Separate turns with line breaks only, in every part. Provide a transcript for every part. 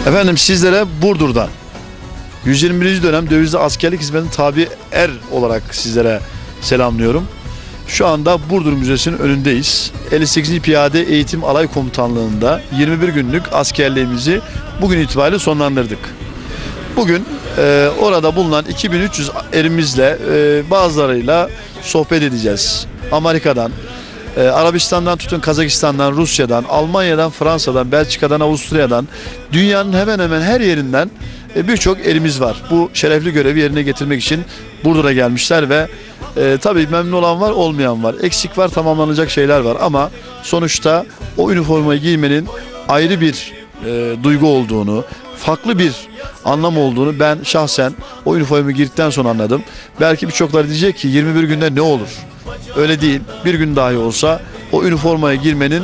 Efendim sizlere Burdur'dan 121. dönem dövizli askerlik hizmetine tabi er olarak sizlere selamlıyorum. Şu anda Burdur Müzesi'nin önündeyiz. 58. Piyade Eğitim Alay Komutanlığı'nda 21 günlük askerliğimizi bugün itibariyle sonlandırdık. Bugün orada bulunan 2300 erimizle bazılarıyla sohbet edeceğiz. Amerika'dan, Arabistan'dan tutun Kazakistan'dan, Rusya'dan, Almanya'dan, Fransa'dan, Belçika'dan, Avusturya'dan, dünyanın hemen hemen her yerinden birçok erimiz var. Bu şerefli görevi yerine getirmek için Burdur'a gelmişler ve tabii memnun olan var, olmayan var. Eksik var, tamamlanacak şeyler var ama sonuçta o üniformayı giymenin ayrı bir duygu olduğunu, farklı bir anlam olduğunu ben şahsen o üniformayı giydikten sonra anladım. Belki birçokları diyecek ki 21 günde ne olur? Öyle değil. Bir gün dahi olsa o üniformaya girmenin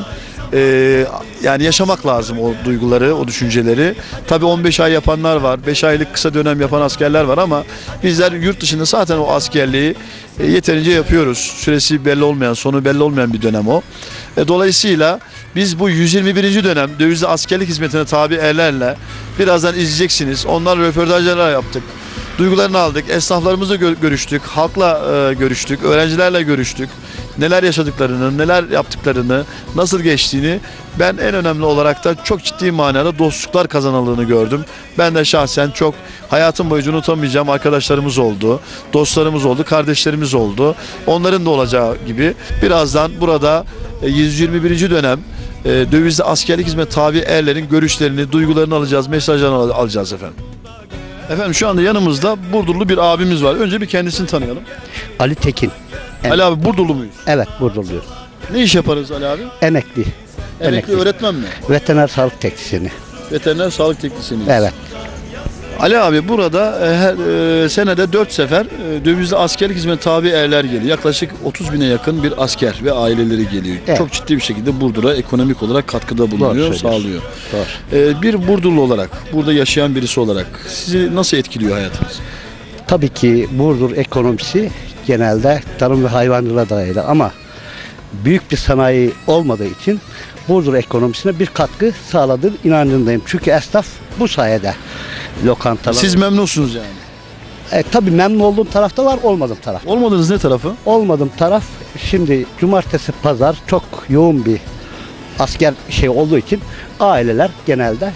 yani yaşamak lazım o duyguları, o düşünceleri. Tabii 15 ay yapanlar var, 5 aylık kısa dönem yapan askerler var ama bizler yurt dışında zaten o askerliği yeterince yapıyoruz. Süresi belli olmayan, sonu belli olmayan bir dönem o. Dolayısıyla biz bu 121. dönem dövizli askerlik hizmetine tabi erlerle birazdan izleyeceksiniz. Onlarla röportajlar yaptık. Duygularını aldık, esnaflarımızla görüştük, halkla görüştük, öğrencilerle görüştük. Neler yaşadıklarını, neler yaptıklarını, nasıl geçtiğini ben en önemli olarak da çok ciddi manada dostluklar kazanıldığını gördüm. Ben de şahsen çok hayatım boyunca unutamayacağım arkadaşlarımız oldu, dostlarımız oldu, kardeşlerimiz oldu. Onların da olacağı gibi birazdan burada 121. dönem dövizli askerlik hizmet tabi erlerin görüşlerini, duygularını alacağız, mesajlarını alacağız efendim. Efendim şu anda yanımızda Burdurlu bir abimiz var. Önce bir kendisini tanıyalım.
Ali Tekin.
Ali abi Burdurlu muyuz?
Evet, Burdurluyuz.
Ne iş yaparız Ali abi?
Emekli.
Emekli öğretmen mi?
Veteriner sağlık teknisyeni.
Veteriner sağlık teknisyeniyiz.
Evet.
Ali abi burada her senede 4 sefer dövizli askerlik hizmet tabi erler geliyor. Yaklaşık 30 bine yakın bir asker ve aileleri geliyor.
Evet.
Çok ciddi bir şekilde Burdur'a ekonomik olarak katkıda bulunuyor, sağlıyor.
Doğru.
Bir Burdurlu olarak, burada yaşayan birisi olarak sizi nasıl etkiliyor hayatınız?
Tabii ki Burdur ekonomisi genelde tarım ve hayvancılığa dayalı ama büyük bir sanayi olmadığı için Burdur ekonomisine bir katkı sağladığı inancındayım. Çünkü esnaf bu sayede lokantalar.
Siz memnunsunuz yani?
Tabii memnun olduğum tarafta var, olmadığım taraf.
Olmadığınız ne tarafı?
Olmadığım taraf şimdi cumartesi pazar çok yoğun bir asker olduğu için aileler genelde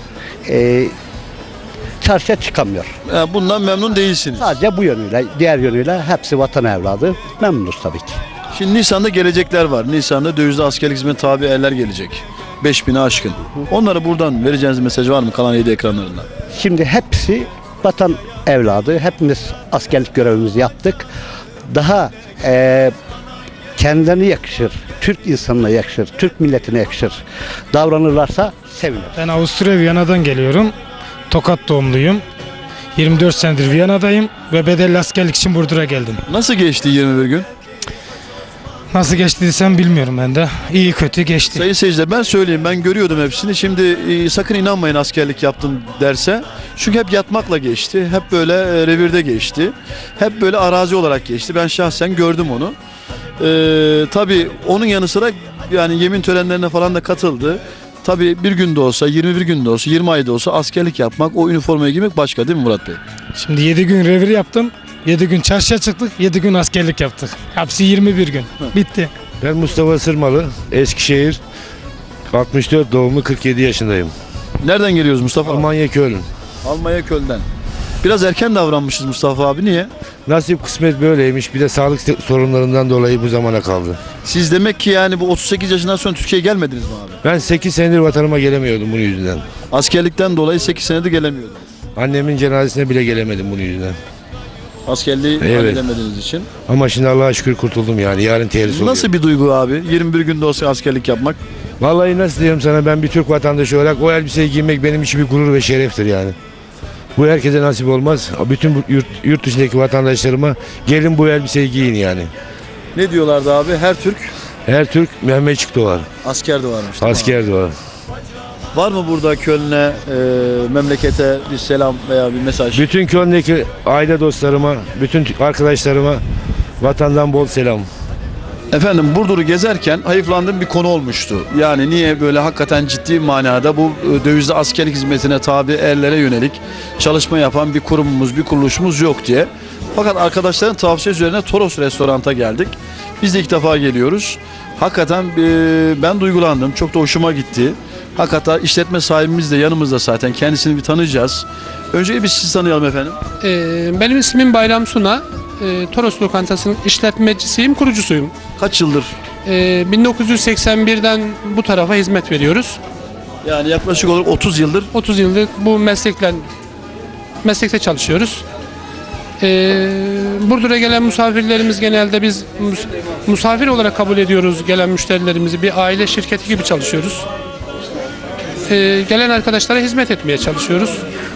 çarşıya çıkamıyor.
Bundan memnun değilsiniz.
Sadece bu yönüyle, diğer yönüyle hepsi vatan evladı. Memnunuz tabii ki.
Şimdi Nisan'da gelecekler var. Nisan'da dövizli askerlik hizmet tabi erler gelecek. 5000'e aşkın. Onlara buradan vereceğiniz mesaj var mı kalan 7 ekranlarında?
Şimdi hepsi vatan evladı. Hepimiz askerlik görevimizi yaptık. Daha kendilerine yakışır, Türk insanına yakışır, Türk milletine yakışır davranırlarsa sevinirim.
Ben Avusturya Viyana'dan geliyorum. Tokat doğumluyum. 24 senedir Viyana'dayım ve bedelli askerlik için Burdur'a geldim.
Nasıl geçti 21 gün?
Nasıl geçti desem bilmiyorum ben de. İyi kötü geçti.
Sayın seyirciler ben söyleyeyim, ben görüyordum hepsini. Şimdi sakın inanmayın askerlik yaptım derse. Çünkü hep yatmakla geçti. Hep böyle revirde geçti. Hep böyle arazi olarak geçti. Ben şahsen gördüm onu. Tabii onun yanı sıra yani yemin törenlerine falan da katıldı. Tabii bir günde olsa, 21 günde olsa, 20 ayda olsa askerlik yapmak, o üniformayı giymek başka değil mi Murat Bey?
Şimdi 7 gün revir yaptım. 7 gün çarşıya çıktık, 7 gün askerlik yaptık. Hepsi 21 gün. Bitti.
Ben Mustafa Sırmalı, Eskişehir, 64 doğumlu, 47 yaşındayım.
Nereden geliyoruz Mustafa?
Almanya Köln.
Almanya Köln'den. Biraz erken davranmışız Mustafa abi, niye?
Nasip kısmet böyleymiş. Bir de sağlık sorunlarından dolayı bu zamana kaldı.
Siz demek ki yani bu 38 yaşından sonra Türkiye'ye gelmediniz mi abi?
Ben 8 senedir vatanıma gelemiyordum bunun yüzünden.
Askerlikten dolayı 8 senedir gelemiyordunuz.
Annemin cenazesine bile gelemedim bunun yüzünden.
Askerliği halledemediğiniz için.
Ama şimdi Allah'a şükür kurtuldum yani. Yarın terhis oluyor.
Nasıl bir duygu abi? 21 günde olsa askerlik yapmak.
Vallahi nasıl diyeyim sana, ben bir Türk vatandaşı olarak o elbiseyi giymek benim için bir gurur ve şereftir yani. Bu herkese nasip olmaz. Bütün yurt dışındaki vatandaşlarıma gelin bu elbiseyi giyin yani.
Ne diyorlardı abi?
Her Türk Mehmetçik doğar.
Asker de varmış.
Asker doğar.
Var mı burada Köln'e, memlekete bir selam veya bir mesaj?
Bütün Köln'deki aile dostlarıma, bütün arkadaşlarıma vatandan bol selam.
Efendim Burdur'u gezerken hayıflandığım bir konu olmuştu. Yani niye böyle hakikaten ciddi manada bu dövizli askerlik hizmetine tabi erlere yönelik çalışma yapan bir kurumumuz, bir kuruluşumuz yok diye. Fakat arkadaşların tavsiyesi üzerine Toros Restorant'a geldik. Biz de ilk defa geliyoruz. Hakikaten ben duygulandım. Çok da hoşuma gitti. Hakikaten işletme sahibimiz de yanımızda zaten. Kendisini bir tanıyacağız. Önce biz sizi tanıyalım efendim.
Benim ismim Bayram Suna. Toros Lokantası'nın işletmecisiyim, kurucusuyum.
Kaç yıldır?
1981'den bu tarafa hizmet veriyoruz.
Yani yaklaşık olarak 30 yıldır.
30 yıldır bu meslekte çalışıyoruz. Burdur'a gelen misafirlerimiz genelde biz misafir olarak kabul ediyoruz gelen müşterilerimizi. Bir aile şirketi gibi çalışıyoruz. Gelen arkadaşlara hizmet etmeye çalışıyoruz.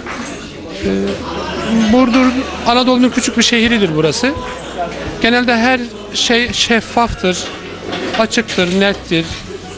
Burdur Anadolu'nun küçük bir şehridir burası. Genelde her şey şeffaftır, açıktır, nettir.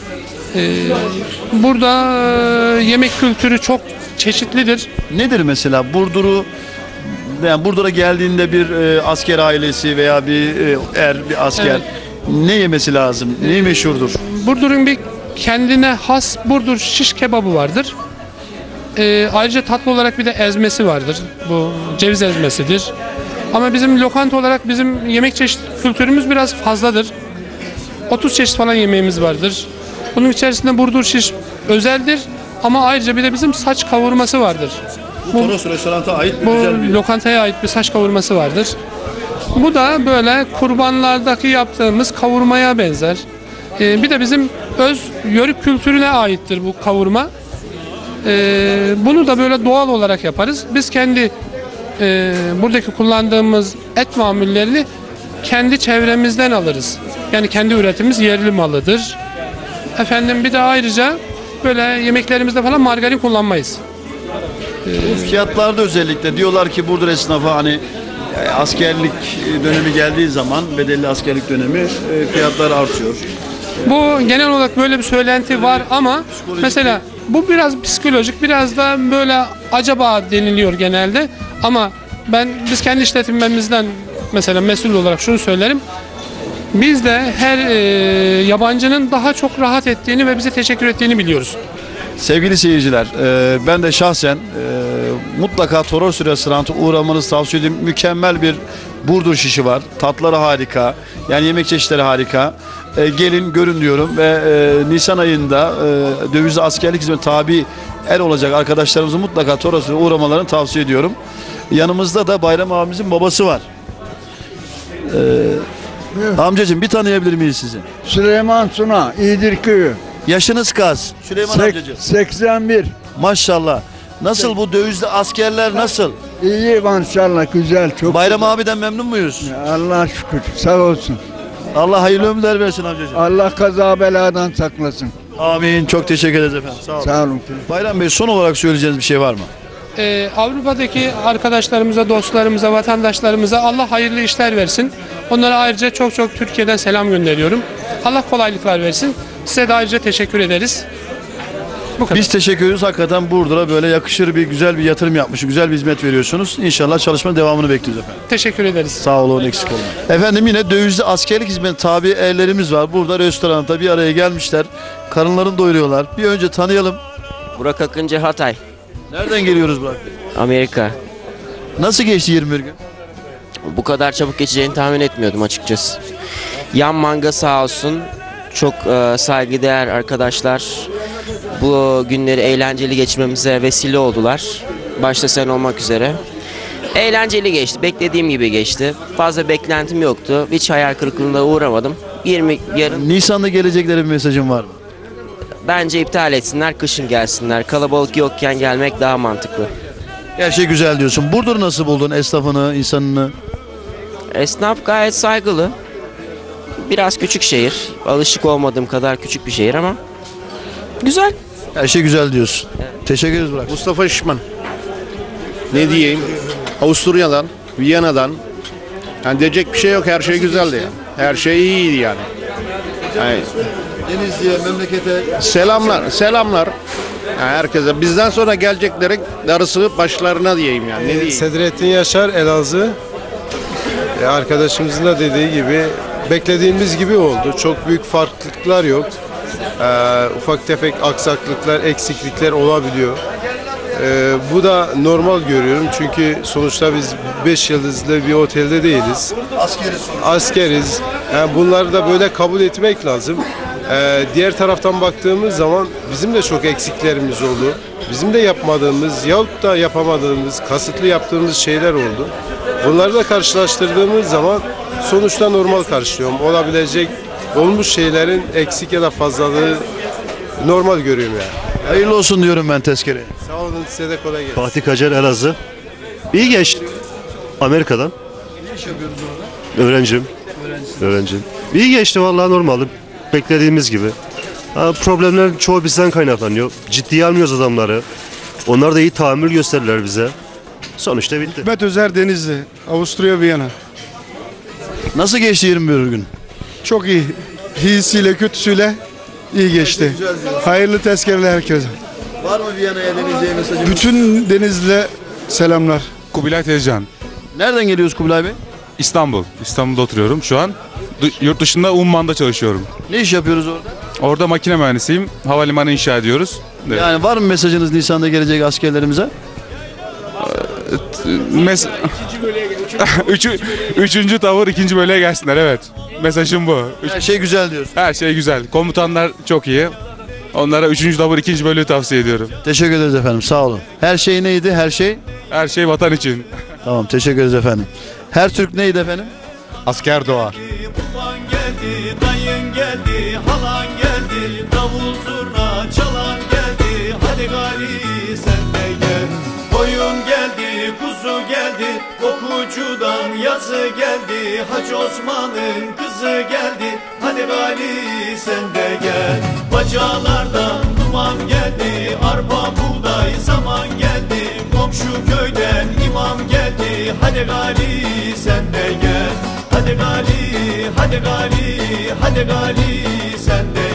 Burada yemek kültürü çok çeşitlidir.
Nedir mesela Burdur'u, yani Burdur'a geldiğinde bir asker ailesi veya bir bir asker
Evet.
ne yemesi lazım? Ne meşhurdur?
Burdur'un bir kendine has Burdur şiş kebabı vardır. Ayrıca tatlı olarak bir de ezmesi vardır. Bu ceviz ezmesidir. Ama bizim lokanta olarak bizim yemek çeşit kültürümüz biraz fazladır. 30 çeşit falan yemeğimiz vardır. Bunun içerisinde Burdur şiş özeldir. Ama ayrıca bir de bizim saç kavurması vardır.
Bu Toros Restorant'a ait
Bu
güzel bir...
lokantaya ait bir saç kavurması vardır. Bu da böyle kurbanlardaki yaptığımız kavurmaya benzer. Bir de bizim öz yörük kültürüne aittir bu kavurma. Bunu da böyle doğal olarak yaparız. Biz kendi buradaki kullandığımız et mamullerini kendi çevremizden alırız. Yani kendi üretimimiz yerli malıdır. Efendim bir de ayrıca böyle yemeklerimizde falan margarin kullanmayız.
Bu fiyatlarda özellikle diyorlar ki Burdur esnafı hani askerlik dönemi geldiği zaman bedelli askerlik dönemi fiyatlar artıyor.
Bu genel olarak böyle bir söylenti var ama mesela bu biraz psikolojik, biraz da böyle acaba deniliyor genelde. Ama biz kendi işletmemizden mesela mesul olarak şunu söylerim. Biz de her yabancının daha çok rahat ettiğini ve bize teşekkür ettiğini biliyoruz.
Sevgili seyirciler, ben de şahsen mutlaka Toros Restorant'a uğramanızı tavsiye ediyorum. Mükemmel bir Burdur şişi var. Tatları harika. Yani yemek çeşitleri harika. Gelin görün diyorum ve Nisan ayında dövizli askerlik hizmet tabi er olacak arkadaşlarımızı mutlaka Toros'a uğramalarını tavsiye ediyorum. Yanımızda da Bayram abimizin babası var. Amcacığım bir tanıyabilir miyiz sizi?
Süleyman Suna, İyidir Köyü.
Yaşınız kaç? Süleyman amcacığım.
81.
Maşallah. Nasıl bu dövizli askerler nasıl?
İyi maşallah, güzel, çok
Bayram
güzel.
abiden memnun muyuz?
Allah'a şükür, sağ olsun.
Allah hayırlı ömürler versin amcacığım.
Allah kaza beladan saklasın.
Amin. Çok teşekkür ederiz efendim. Sağ olun.
Sağ olun.
Bayram Bey son olarak söyleyeceğiniz bir şey var mı?
Avrupa'daki arkadaşlarımıza, dostlarımıza, vatandaşlarımıza Allah hayırlı işler versin. Onlara ayrıca çok çok Türkiye'den selam gönderiyorum. Allah kolaylıklar versin. Size de ayrıca teşekkür ederiz. Bu kadar.
Biz teşekkür ediyoruz. Hakikaten Burdur'a böyle yakışır bir güzel bir yatırım yapmışsınız. Güzel bir hizmet veriyorsunuz. İnşallah çalışmanın devamını bekliyoruz efendim.
Teşekkür ederiz.
Sağ olun, eksik olmayın. Efendim yine dövizli askerlik hizmeti tabi erlerimiz var. Burada restoranda bir araya gelmişler. Karınlarını doyuruyorlar. Bir önce tanıyalım.
Burak Akıncı, Hatay,
Nereden geliyoruz Burak Bey?
Amerika.
Nasıl geçti 21 gün?
Bu kadar çabuk geçeceğini tahmin etmiyordum açıkçası. Yan manga sağ olsun. Çok saygıdeğer arkadaşlar. Bu günleri eğlenceli geçirmemize vesile oldular. Başta sen olmak üzere. Eğlenceli geçti. Beklediğim gibi geçti. Fazla beklentim yoktu. Hiç hayal kırıklığına uğramadım. Yarın
Nisan'da gelecekleri bir mesajın var mı?
bence iptal etsinler, kışın gelsinler. Kalabalık yokken gelmek daha mantıklı.
Her şey güzel diyorsun. Burdur nasıl buldun esnafını, insanını?
Esnaf gayet saygılı. Biraz küçük şehir. Alışık olmadığım kadar küçük bir şehir ama güzel.
Her şey güzel diyorsun. Teşekkür ederiz Burak.
Mustafa Şişman. Ne diyeyim? Avusturya'dan, Viyana'dan. Yani diyecek bir şey yok. Her şey güzeldi yani. Her şey iyiydi yani.
Denizli'ye, memlekete
Selamlar. Yani herkese. Bizden sonra geleceklerin darısı başlarına diyeyim yani. Ne diyeyim?
Sedrettin Yaşar, Elazığ. Arkadaşımızın da dediği gibi beklediğimiz gibi oldu. Çok büyük farklılıklar yok. Ufak tefek aksaklıklar, eksiklikler olabiliyor. Bu da normal görüyorum çünkü sonuçta biz 5 yıldızlı bir otelde değiliz. Askeriz. Yani bunları da böyle kabul etmek lazım. Diğer taraftan baktığımız zaman bizim de çok eksiklerimiz oldu. Bizim de yapmadığımız yahut da yapamadığımız, kasıtlı yaptığımız şeyler oldu. Bunları da karşılaştırdığımız zaman sonuçta normal karşılıyorum. Olabilecek, olmuş şeylerin eksik ya da fazlalığı normal görüyorum yani.
Hayırlı olsun diyorum ben tezkereye.
Sağ olun, size de kolay gelsin.
Fatih Kacar Elazığ. İyi geçti. Amerika'dan.
Ne iş yapıyoruz orada?
Öğrencim. İyi geçti vallahi normal. Beklediğimiz gibi. Problemlerin çoğu bizden kaynaklanıyor. Ciddiye almıyoruz adamları. Onlar da iyi tahammül gösterirler bize. Sonuçta bitti.
Hikmet Özer Denizli, Avusturya Viyana.
Nasıl geçti 21 gün?
Çok iyi. İyisiyle kötüsüyle iyi geçti. Hayırlı tezkereler herkese.
Var mı Viyana'ya Denizli'ye mesajımız?
Bütün Denizli'ye selamlar.
Kubilay Tezcan.
Nereden geliyoruz Kubilay Bey?
İstanbul. İstanbul'da oturuyorum şu an. Yurt dışında Umman'da çalışıyorum.
Ne iş yapıyoruz orada?
Orada makine mühendisiyim. Havalimanı inşa ediyoruz. Evet.
Yani var mı mesajınız Nisan'da gelecek askerlerimize?
Üçüncü tavır ikinci bölüye gelsinler, evet. Mesajım bu.
Her şey güzel diyorsun.
Her şey güzel. Komutanlar çok iyi. Onlara üçüncü tavır ikinci bölüğü tavsiye ediyorum.
Teşekkür ederiz efendim, sağ olun. Her şey neydi? Her şey?
Her şey vatan için.
Tamam, teşekkür ederiz efendim. Her Türk neydi efendim?
Asker doğar.
Baban geldi, dayın geldi, halan geldi, davul zurna çalan geldi, hadi gari sen de gel. Koyun geldi, kuzu geldi, kokucudan yazı geldi, Hacı Osman'ın kızı geldi, hadi gari sen de gel. Bacalardan duman geldi, arpa buğday zaman geldi, komşu köyden imam geldi, hadi gari sen de gel. Hadi gali, hadi gali, hadi gali sen de